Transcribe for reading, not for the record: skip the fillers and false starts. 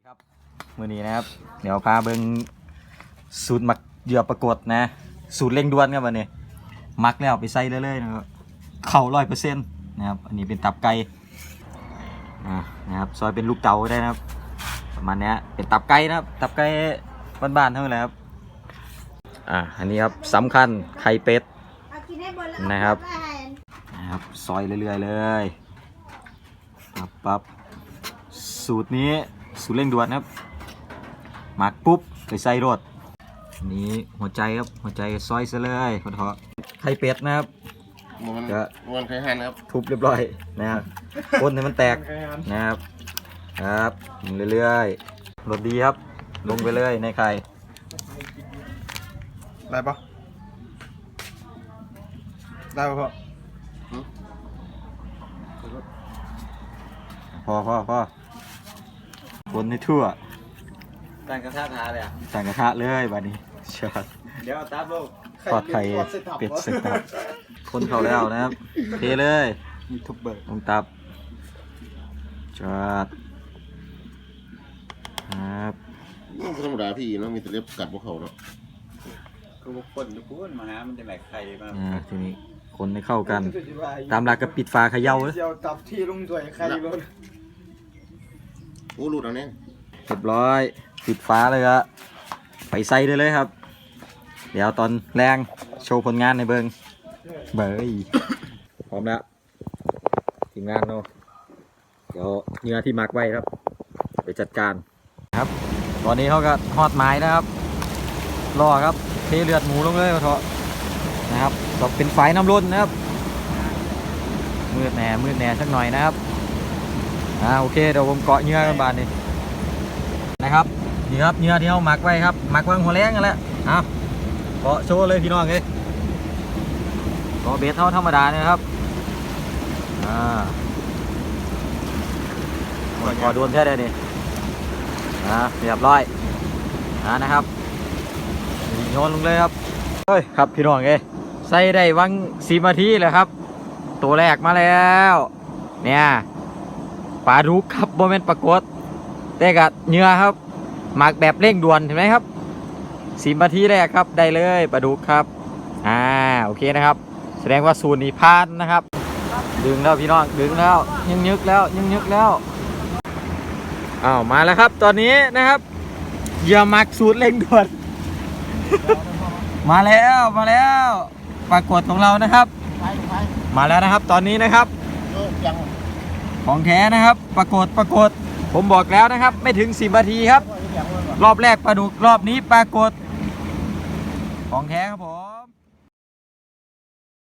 ครับมือนี้นะครับเดี๋ยวพาเบิ้งสูตรหมักเหยื่อปรากฏนะสูตรเร่งด่วนครับวันนี้หมักแล้วไปใส่เลยนะครับเข่า100%นะครับอันนี้เป็นตับไก่นะครับซอยเป็นลูกเต๋าได้นะครับประมาณนี้เป็นตับไก่นะครับตับไก่บ้านๆเท่านั้นแหละครับอันนี้ครับสำคัญไข่เป็ดนะครับซอยเรื่อยๆเลยปั๊บสูตรนี้สูตรเร่งด่วนครับหมักปุ๊บไปใส่รสนี้หัวใจครับหัวใจซอยซะเลยขอโทษไข่เป็ดนะครับมันเคยหั่นครับทุบเรียบร้อยนะครับคนให้มันแตกนะครับเรื่อยๆรสดีครับลงไปเลยในไข่ได้ปะได้ปะพอคนให้ทั่วตั้งกระทะทาเลยตั้งกระทะเลยบัดนี้ชอดเดี๋ยวตับลูกทอดไข่เป็ดเสร็จครับคนเข้าแล้วนะครับเทเลยยูทูบเบอร์ลงตับจอดครับธรรมดาพี่เนาะมีแต่เล็บกัดพวกเขาเนาะก็พวกคนทุกคนมาหามันจะแหลกไข่มาทีนี้คนให้เข้ากันตามหลักกับปิดฝาเขย่าเลยตับที่ลงด้วยไข่ล้นโอ้หลุดเอาเนี่ยเรียบร้อยปิดฝาเลยครับไปใส่ได้เลยครับเดี๋ยวตอนแรงโชว์ผลงานในเบิงเบยพร้อมแล้วทีมงานเนาะเดี๋ยวเนื้อที่มักไว้ครับไปจัดการครับตอนนี้เขาก็ทอดไม้นะครับรอครับเทเลือดหมูลงเลยเถอะนะครับก็เป็นไฟน้ำร้นนะครับมืดแหน่สักหน่อยนะครับโอเคเดี๋ยวผมเกาะเนื้อกันบานนี้นะครับนี่ครับเนื้อที่เขาหมักไว้ครับหมักไว้หัวแรงกันแล้วเกาะโชว์เลยพี่น้องเลยเกาะเบสเท่าธรรมดาเนี่ยครับขอโดนแค่ได้นี่เรียบร้อยนะครับโยนลงเลยครับเฮ้ยครับพี่น้องเลยใส่ได้วัง10 นาทีเลยครับตัวแรกมาแล้วเนี่ยปลาดุกครับโมเมนต์ปรากฏแต่กับเนื้อครับหมักแบบเร่งด่วนเห็นไหมครับ10 นาทีแรกครับได้เลยปลาดุกครับโอเคนะครับแสดงว่าสูตรนี้ผ่านนะครับดึงแล้วพี่น้องดึงแล้วยึกแล้วมาแล้วครับตอนนี้นะครับเหยื่อหมักสูตรเร่งด่วน มาแล้วปรากฏของเรานะครับมาแล้วนะครับตอนนี้นะครับของแท้นะครับปรากฏผมบอกแล้วนะครับไม่ถึง10 นาทีครับรอบแรกปลาดุกรอบนี้ปรากฏของแท้ครับผม